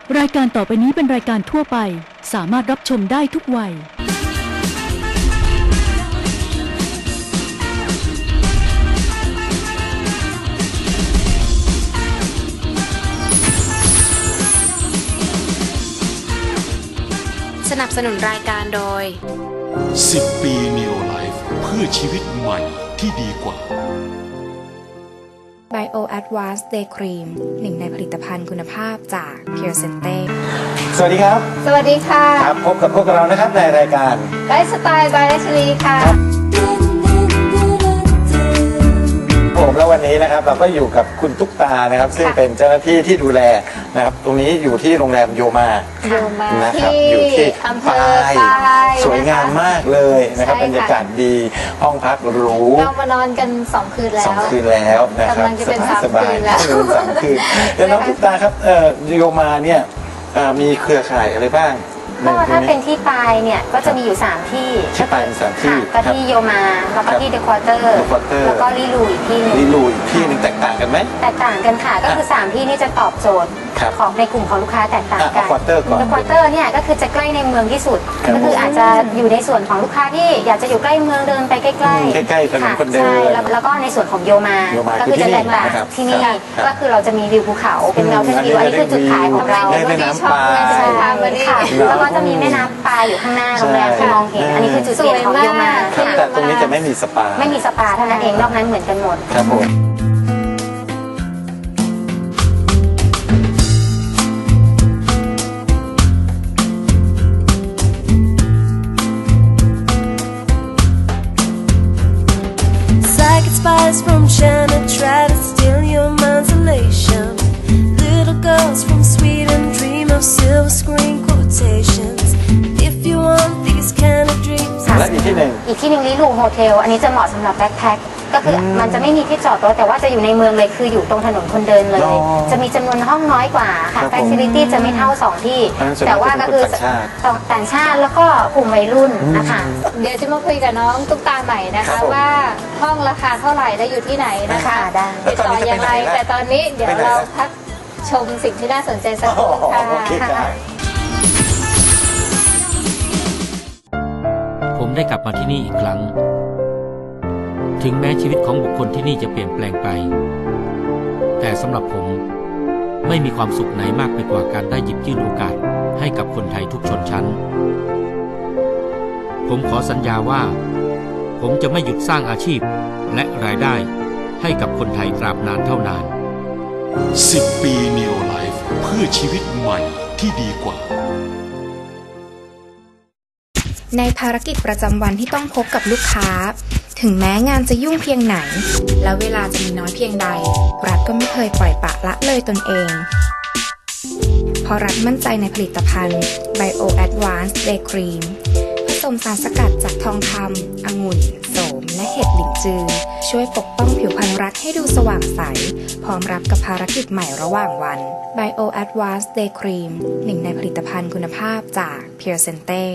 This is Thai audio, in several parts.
รายการต่อไปนี้เป็นรายการทั่วไปสามารถรับชมได้ทุกวัยสนับสนุนรายการโดย 10 ปี Neo Life เพื่อชีวิตใหม่ที่ดีกว่า Bio Advanced Day Cream หนึ่งในผลิตภัณฑ์คุณภาพจาก Pure Sente สวัสดีครับสวัสดีค่ะครับพบกับพวกเรานะครับในรายการไลฟ์สไตล์บายรัชลีค่ะผมแล้ววันนี้นะครับเราก็อยู่กับคุณตุ๊กตานะครับซึ่งเป็นเจ้าหน้าที่ที่ดูแลนะครับตรงนี้อยู่ที่โรงแรมโยมานะครับอยู่ที่อำเภปาอย ปายสวยงามมากเลยนะครับใช่บรรยากาศดีห้องพักหรูเรามานอนกัน2 คืนแล้ว 2 คืนแล้วนะครับกำลังจะเป็น3 สบายคืนแล้วๆ3 คืนแล้วน้องตุ๊กตาครับโยมาเนี่ยมีเครือข่ายอะไรบ้างก็ถ้าเป็นที่ปลายเนี่ยก็จะมีอยู่3ที่ที่ปลายมี3ที่ก็ที่โยมาแล้วก็ที่เดอะควอเตอร์แล้วก็ลิลูอีกที่นึงลิลูอีกที่นึงแตกต่างกันไหมแตกต่างกันค่ะก็คือ3ที่นี่จะตอบโจทย์ครับของในกลุ่มของลูกค้าแตกต่างกันควอเตอร์ก่อนเดอะควอเตอร์เนี่ยก็คือจะใกล้ในเมืองที่สุดครับก็คืออาจจะอยู่ในส่วนของลูกค้าที่อยากจะอยู่ใกล้เมืองเดินไปใกล้ๆใกล้ๆถนนคนเดินใช่แล้วก็ในส่วนของโยมาโยมาก็คือจะแตกต่างคือที่นี่ครับก็คือเราจะมีวิวภูเขาเป็นเงาเทนวิวอันนี้คือจุดขายของเราได้แม่น้ำปลาใช่ค่ะแล้วก็จะมีแม่น้ำปลาอยู่ข้างหน้าโรงแรมที่มองเห็นอันนี้คือจุดเด่นของโยมาครับแต่ตรงนี้จะไม่มีสปาไม่มีสปาเท่านั้นเองนอกนั้นเหมือนกันหมดครับผม Psychic spies from China try to steal your mind's elation. Little girls from Sweden dream of silver screen quotations. If you want these kind of dreams. และอีกที่หนึ่งอีกที่หนึ่งลิลูโฮเทลอันนี้จะเหมาะสำหรับแบ็คแพ็คก็คือมันจะไม่มีที่จอดรถแต่ว่าจะอยู่ในเมืองเลยคืออยู่ตรงถนนคนเดินเลย จะมีจำนวนห้องน้อยกว่าค่ะครับผมแฟซิลิตี้จะไม่เท่า2ที่อันนั้นส่วนแต่ว่าก็คือเป็นคนต่างชาติแล้วก็กลุ่มวัยรุ่นนะคะเดี๋ยวจะมาคุยกับน้องตุ๊กตาใหม่นะครัคะบผมว่าห้องราคาเท่าไหร่และอยู่ที่ไหนนะคะได้ติดต่อยังไงแต่ตอนนี้เดี๋ยวเราพักชมสิ่งที่น่าสนใจสักครู่ค่ะโอเคครับผมได้กลับมาที่นี่อีกครั้ง ถึงแม้ชีวิตของบุคคลที่นี่จะเปลี่ยนแปลงไป แต่สำหรับผมไม่มีความสุขไหนมากไปกว่าการได้หยิบยื่นโอกาสให้กับคนไทยทุกชนชั้น ผมขอสัญญาว่า ผมจะไม่หยุดสร้างอาชีพและรายได้ให้กับคนไทยตราบนานเท่านาน 10 ปี Neo Life เพื่อชีวิตใหม่ที่ดีกว่าในภารกิจประจำวันที่ต้องพบกับลูกค้า ถึงแม้งานจะยุ่งเพียงไหน และเวลาจะมีน้อยเพียงใด รัฐก็ไม่เคยปล่อยปละละเลยตนเอง เพราะรัฐมั่นใจในผลิตภัณฑ์ Bio Advanced Day Cream ผสมสารสกัดจากทองคำองุ่นโสม และเห็ดหลินจือ ช่วยปกป้องผิวพรรณรัฐให้ดูสว่างใส พร้อมรับกับภารกิจใหม่ระหว่างวัน Bio Advanced Day Cream หนึ่งในผลิตภัณฑ์คุณภาพจาก Pure Sente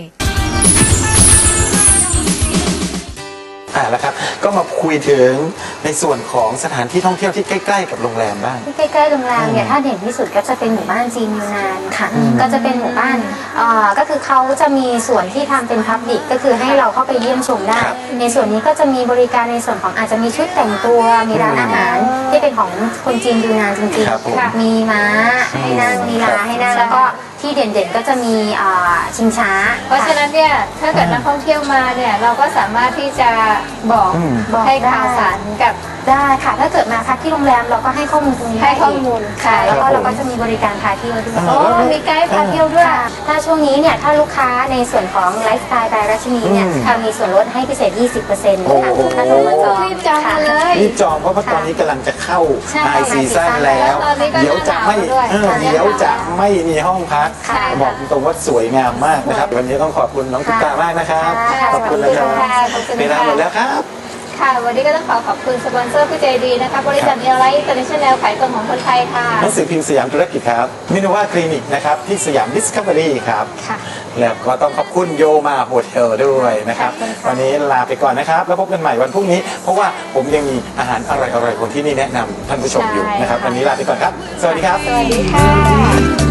แล้วครับก็มาคุยถึงในส่วนของสถานที่ท่องเที่ยวที่ใกล้ๆกับโรงแรมบ้างที่ใกล้ๆโรงแรมเนี่ยถ้าเด่นที่สุดก็จะเป็นหมู่บ้านจีนยูนานค่ะก็จะเป็นหมู่บ้านก็คือเขาจะมีส่วนที่ทำเป็นพับลิกก็คือให้เราเข้าไปเยี่ยมชมได้ครับในส่วนนี้ก็จะมีบริการในส่วนของอาจจะมีชุดแต่งตัวมีร้านอาหารที่เป็นของคนจีนยูนานจริงครับผมๆมีม้าให้นั่งมีลาให้นั่งแล้วก็ที่เด่นๆก็จะมีชิงช้าเพราะฉะนั้นเนี่ยถ้าเกิดนักท่องเที่ยวมาเนี่ยเราก็สามารถที่จะบอกบอกให้ได้ข่าวสารกับได้ค่ะถ้าเกิดมาพักที่โรงแรมเราก็ให้ข้อมูลตรงนี้ให้ข้อมูลค่ะค่ะแล้วก็เราก็จะมีบริการพาเที่ยวด้วยโอ้มีไกด์พาเที่ยวด้วยค่ะถ้าช่วงนี้เนี่ยถ้าลูกค้าในส่วนของไลฟ์สไตล์บายรัชนีเนี่ยค่ะมีส่วนลดให้พิเศษ 20%ค่ะถ้าโทรมาจองรีบจองมาเลยรีบจองเพราะว่าตอนนี้กำลังจะเข้าใช่ไฮซีซั่นแล้วตอนนี้ก็เดี๋ยวจะไม่หนาวด้วยเดี๋ยวจะไม่มีห้องพักใช่ค่ะบอกตรงว่าสวยงามมากนะครับวันนี้ต้องขอบคุณน้องตุ๊กตามากนะครับค่ะขอบคุณนะครับขอบคุณค่ะเวลาหมดแล้วครับค่ะวันนี้ก็ต้องขอบคุณสปอนเซอร์ผู้ใจดีนะคะบริษัทเนลไลท์อินเตอร์เนชั่นแนลขายตรงของคนไทยค่ะหนังสือพิมพ์สยามธุรกิจครับมินว่าคลินิกนะครับที่สยามดิสคัฟเวอรี่ครับค่ะแล้วก็ต้องขอบคุณโยมาโฮเทลด้วยนะครับขอบคุณค่ะวันนี้ลาไปก่อนนะครับ แล้วพบกันใหม่วันพรุ่งนี้ เพราะว่าผมยังมีอาหารอร่อยๆคนที่นี่แนะนำท่านผู้ชมอยู่นะครับ วันนี้ลาไปก่อนครับ สวัสดีครับสวัสดีค่ะ